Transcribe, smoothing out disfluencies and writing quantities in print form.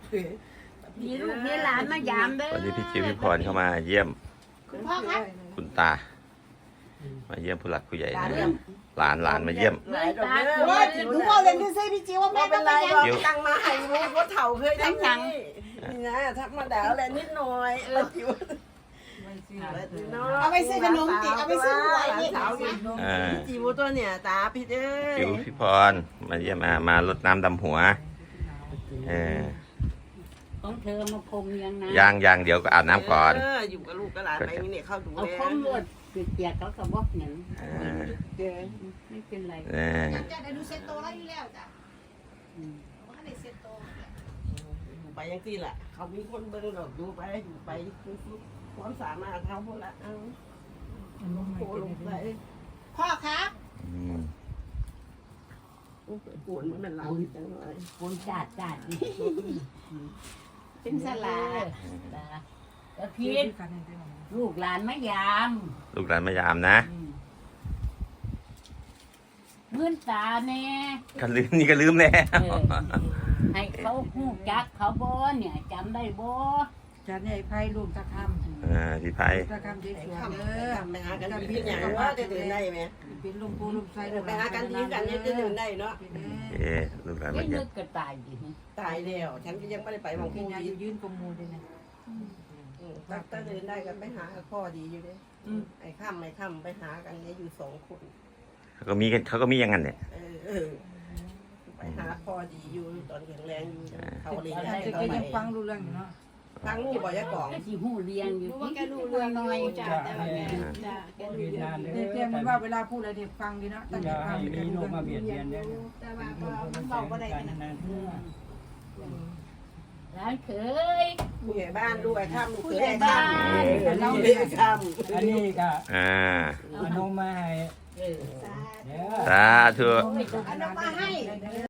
มีลูกมีหลานมายามเด้อวันนี้พี่จิวพี่พรเข้ามาเยี่ยมคุณพ่อครับคุณตา มาเยี่ยมผู้หลักผู้ใหญ่นะหลานมาเยี่ยมหลายตาว่าหนูบอกเลยดูซิพี่จิวว่าแม่ไม่เป็ต้อน งไรไปหรอกจิ๋วตังมาให้รู้ว่าเถ่าเคยทำยังนี่นะธรรมดาแหละนิดหน่อยจิ๋วเอาไปซื้อขนมจิเอาไปซื้อหวยนี่สาวนี่จิ๋วตัวเนี่ยตาพี่เอ้ยจิวพี่พรมาเยี่ยมมารดน้ำดำหัวของเธอมาพรมยังนะยังเดี๋ยวก็อาบน้ำก่อนอยู่กับลูกกับหลานไปนี่เข้าดูเอาแลพรมรวดเปียกเขาก็บอกหนึ่งเด้อไม่เป็นไรจะได้ดูเซ็ตโตแล้วอยู่แล้วจ้ะว่าได้เซ็ตโตไปยังที่ล่ะเขามีคนเบิ่งดอกดูไปอยู่ไปความสามารถเขาพวกละเอาโคลงไปพ่อครับปวดมันหลังจังเลยคนจัดนี่เป็นสลาแล้วพีทลูกหลานมายามลูกหลานมายามนะเมื่อนตาแน่กันลืมนี่ก็ลืมแน่ให้เขาหูจักเขาบ่เนี่ยจำได้บ่จันใหญ่ไพ่รวมตะคพี่ไพำตะคำเจ๊สวยทำเด้อไปหากันดีอย่างว่าจะเดินได้ไหมเป็นลมปูลมไส้ไปหากันดีกันจะเดินได้เนาะลูกหลานไม่มาเยี่นึยมกก็ตายดิตายแล้วฉันก็ยังไม่ได้ไปบางกิพูนยาดีอยู่ยืนกมูเลยนะถ้าเดินได้กันไปหาพ่อดีอยู่เลยไอ้ค่ำไปหากันเนี่ยอยู่2 คนเขาก็มีอย่างนั้นเนี่ยไปหาพ่อดีอยู่ตอนแข็งแรงอยู่เขาเลี้ยงแต่ก็ยังฟังรู้เรื่องอยู่เนาะฟังอยู่บ่อยกล่องก็สิหูเรียงอยู่รู้ว่าแกรู้เรื่องน้อยจ้ะแต่ว่าแกจ้ะแกรู้เรื่องเตรียมมันว่าเวลาพูดอะไรเด็กฟังดีเนาะตั้งใจฟังมีโลกมาเบียดเบียนเนี่ยแต่ว่าก็เบาก็ได้นะร้านเคยผู้ใหญ่บ้านด้วยค่ำลูกเขยค่ำเราเลี้ยงค่ำอันนี้ก็เอานมมาให้เออเดี๋ยวสาธุเอาน้ำมาให้